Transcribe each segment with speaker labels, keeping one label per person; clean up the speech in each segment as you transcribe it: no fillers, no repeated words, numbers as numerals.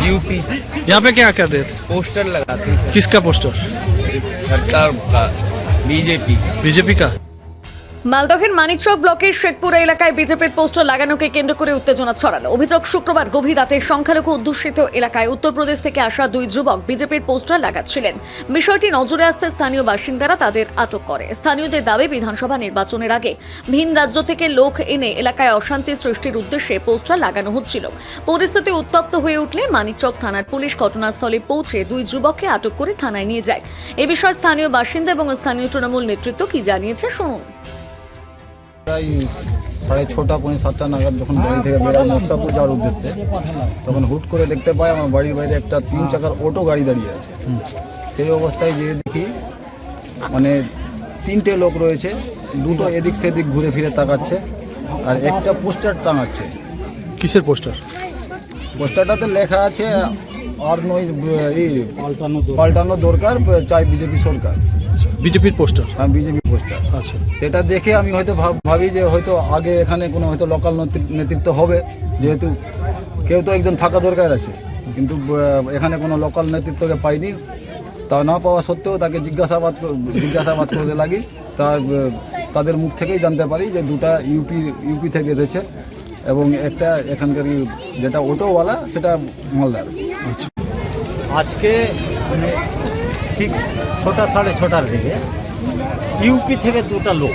Speaker 1: UP.
Speaker 2: यहाँ पे क्या कर रहे थे?
Speaker 1: पोस्टर लगाते हैं
Speaker 2: किसका पोस्टर?
Speaker 1: सरकार का,
Speaker 2: बीजेपी का।
Speaker 3: মালদহের মানিকচক ব্লকের শেখপুরা এলাকায় বিজেপির পোস্টার লাগানোকে কেন্দ্র করে উত্তেজনা ছড়ালো। অভিযোগ, শুক্রবার গভীর রাতে সংখ্যালঘু অধ্যুষিত এলাকায় উত্তরপ্রদেশ থেকে আসা দুই যুবক বিজেপির পোস্টার লাগাচ্ছিলেন। বিষয়টি নজরে আসতে স্থানীয় বাসিন্দারা তাদের আটক করে। স্থানীয়দের দাবি, বিধানসভা নির্বাচনের আগে ভিন রাজ্য থেকে লোক এনে এলাকায় অশান্তি সৃষ্টির উদ্দেশ্যে পোস্টার লাগানো হচ্ছিল। পরিস্থিতি উত্তপ্ত হয়ে উঠলে মানিকচক থানার পুলিশ ঘটনাস্থলে পৌঁছে দুই যুবককে আটক করে থানায় নিয়ে যায়। এ বিষয়ে স্থানীয় বাসিন্দা এবং স্থানীয় তৃণমূল নেতৃত্ব কি জানিয়েছে শুনুন।
Speaker 4: প্রায় 6:30 পৌনে 7টা নাগাদ যখন বাড়ি থেকে বেরোয় মোর্চাপুর যাওয়ার উদ্দেশ্যে, তখন হুট করে দেখতে পাই আমার বাড়ির বাইরে একটা 3 চাকার অটো গাড়ি দাঁড়িয়ে আছে। সেই অবস্থায় যেয়ে দেখি মানে 3টে লোক রয়েছে, দুটো এদিক সেদিক ঘুরে ফিরে তাকাচ্ছে আর একটা পোস্টার টাঙাচ্ছে।
Speaker 2: কিসের পোস্টার?
Speaker 4: পোস্টারটাতে লেখা আছে আর নয় পাল্টানো দরকার, চাই বিজেপি সরকার।
Speaker 2: বিজেপির পোস্টার?
Speaker 4: হ্যাঁ, বিজেপি পোস্টার।
Speaker 2: আচ্ছা,
Speaker 4: সেটা দেখে আমি হয়তো ভাবি যে হয়তো আগে এখানে কোনো হয়তো লোকাল নেতৃত্ব হবে, যেহেতু কেউ তো একজন থাকা দরকার আছে, কিন্তু এখানে কোনো লোকাল নেতৃত্বকে পাইনি। তা না পাওয়া সত্ত্বেও তাকে জিজ্ঞাসাবাদ করতে লাগি। তাদের মুখ থেকেই জানতে পারি যে দুটা ইউপি থেকে এসেছে এবং একটা এখানকার যেটা অটোওয়ালা সেটা মালদার।
Speaker 5: আজকে মানে ঠিক 6:30 দিকে ইউপি থেকে দুটা লোক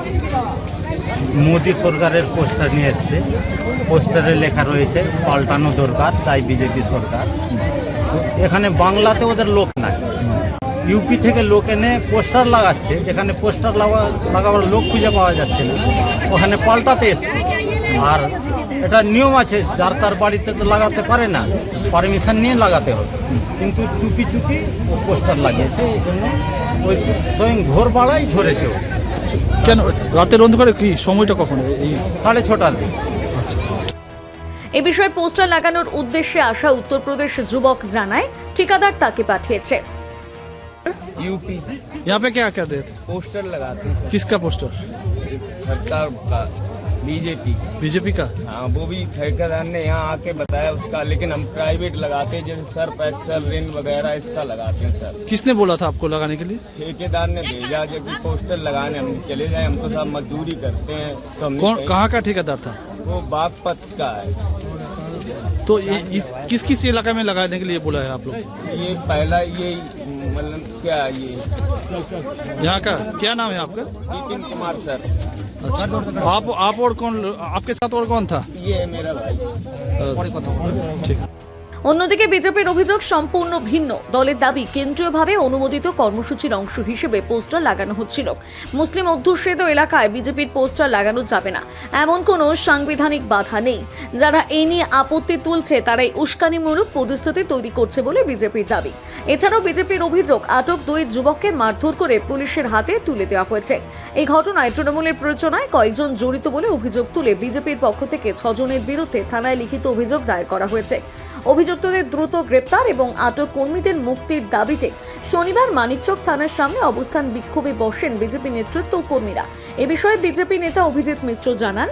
Speaker 5: মোদী সরকারের পোস্টার নিয়ে এসছে। পোস্টারে লেখা রয়েছে পাল্টানো দরকার, তাই বিজেপি সরকার। তো এখানে বাংলাতে ওদের লোক নাই, ইউপি থেকে লোক এনে পোস্টার লাগাচ্ছে। যেখানে পোস্টার লাগাবার লোক খুঁজে পাওয়া যাচ্ছে না, ওখানে পাল্টাতে এসছে। আর এটা নিয়ম আছে, যার তার বাড়িতে তো লাগাতে পারে না, পারমিশন নিয়ে লাগাতে হবে। কিন্তু চুপি চুপি ও পোস্টার লাগিয়েছে, এই জন্য ওই স্বয়ং ভোরবেলায় ধরেছে ও।
Speaker 2: কেন রাতের অন্ধকারে? কি সময়টা কখন? এই
Speaker 5: 6:30 দিন।
Speaker 2: আচ্ছা,
Speaker 3: এ বিষয়ে পোস্টার লাগানোর উদ্দেশ্যে আসা উত্তরপ্রদেশ যুবক জানায় ঠিকাদার তাকে পাঠিয়েছে।
Speaker 1: यूपी।
Speaker 2: यहाँ पे क्या कर रहे थे?
Speaker 1: पोस्टर लगाते हैं
Speaker 2: किसका पोस्टर?
Speaker 1: सरकार का,
Speaker 2: बीजेपी का।
Speaker 1: हाँ, वो भी ठेकेदार ने यहाँ आके बताया उसका, लेकिन हम प्राइवेट लगाते हैं, जैसे सर्फ एक्सल रिन वगैरह इसका लगाते हैं सर।
Speaker 2: किसने बोला था आपको लगाने के लिए?
Speaker 1: ठेकेदार ने भेजा जब भी पोस्टर लगाने हम चले जाए, हम तो सब मजदूरी करते हैं। तो हमने
Speaker 2: कौन, कहाँ का ठेकेदार था?
Speaker 1: वो बागपत का है।
Speaker 2: तो किस किस इलाके में लगाने के लिए बोला है आप लोग?
Speaker 1: ये पहला ये मतलब क्या ये
Speaker 2: यहाँ का क्या नाम है आपका?
Speaker 1: नितिन कुमार सर।
Speaker 2: अच्छा, आप और कौन, आपके साथ और कौन था?
Speaker 1: ये है मेरा भाई।
Speaker 2: ठीक।
Speaker 3: অন্যদিকে বিজেপির অভিযোগ সম্পূর্ণ ভিন্ন। দলের দাবি, কেন্দ্রীয়ভাবে অনুমোদিত কর্মসূচির অংশ হিসেবে পোস্টার লাগানো হচ্ছিল। মুসলিম অধ্যুষিত এলাকায় বিজেপির পোস্টার লাগানো যাবে না, এমন কোনো সাংবিধানিক বাধা নেই। যারা এই নিয়ে আপত্তি তুলছে তারাই উস্কানিমূলক পরিস্থিতি তৈরি করছে বলে বিজেপির দাবি। এছাড়াও বিজেপির অভিযোগ, আটক দুই যুবককে মারধর করে পুলিশের হাতে তুলে দেওয়া হয়েছে। এই ঘটনায় তৃণমূলের প্ররোচনায় কয়েকজন জড়িত বলে অভিযোগ তুলে বিজেপির পক্ষ থেকে 6 জনের বিরুদ্ধে থানায় লিখিত অভিযোগ দায়ের করা হয়েছে। অভিযুক্তদের দ্রুত গ্রেপ্তার এবং আটক কর্মীদের মুক্তির দাবিতে শনিবার মানিকচক থানার সামনে অবস্থান বিক্ষোভে বসেন বিজেপি নেতৃত্ব ও কর্মীরা। এ বিষয়ে বিজেপি নেতা অভিজিৎ মিশ্র জানান,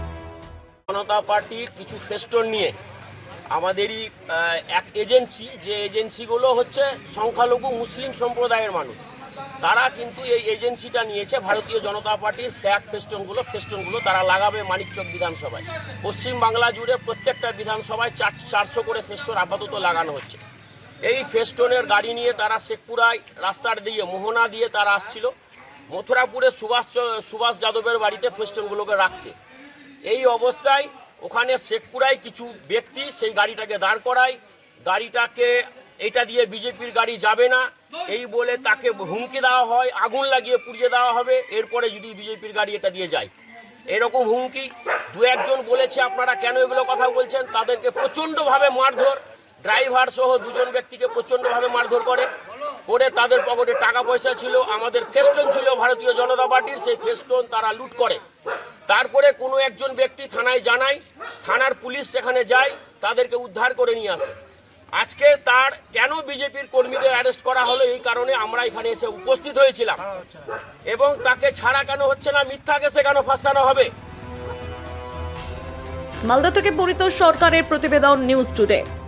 Speaker 6: জনতা পার্টির কিছু ফেস্টন নিয়ে আমাদেরই এক এজেন্সি, যে এজেন্সিগুলো হচ্ছে সংখ্যালঘু মুসলিম সম্প্রদায়ের মানুষ, তারা কিন্তু এই এজেন্সিটা নিয়েছে ভারতীয় জনতা পার্টির ফ্ল্যাগ ফেস্টনগুলো তারা লাগাবে মানিকচক বিধানসভায়। পশ্চিম বাংলা জুড়ে প্রত্যেকটা বিধানসভায় 400 করে ফেস্টন আপাতত লাগানো হচ্ছে। এই ফেস্টনের গাড়ি নিয়ে তারা শেখপুরায় রাস্তার দিয়ে মোহনা দিয়ে তারা আসছিল মথুরাপুরে সুভাষ যাদবের বাড়িতে ফেস্টনগুলোকে রাখতে। এই অবস্থায় ওখানে শেখপুরায় কিছু ব্যক্তি সেই গাড়িটাকে দাঁড় করায়, গাড়িটাকে এটা দিয়ে বিজেপির গাড়ি যাবে না এই বলে তাকে হুমকি দেওয়া হয়, আগুন লাগিয়ে পুড়িয়ে দেওয়া হবে এরপরে যদি বিজেপির গাড়ি এটা দিয়ে যায়। এরকম হুমকি দু একজন বলেছে, আপনারা কেন এগুলো কথা বলছেন? তাদেরকে প্রচণ্ডভাবে মারধর, ড্রাইভার সহ 2 জন ব্যক্তিকে প্রচণ্ডভাবে মারধর করে তাদের পকেটে টাকা পয়সা ছিল, আমাদের ফেস্টন ছিল ভারতীয় জনতা পার্টির, সেই ফেস্টন তারা লুট করে। তারপরে কোনো একজন ব্যক্তি থানায় জানায়, থানার পুলিশ সেখানে যায়, তাদেরকে উদ্ধার করে নিয়ে আসে। আজকে তার কেন বিজেপির কর্মীদের অ্যারেস্ট করা হলো, এই কারণে আমরা এখানে এসে উপস্থিত হয়েছিলাম। এবং তাকে ছাড়া কেন হচ্ছে না, মিথ্যা কেসে কেন ফাঁসানো হবে?
Speaker 3: মালদা থেকে পরিতোষ সরকারের প্রতিবেদন, নিউজ টুডে।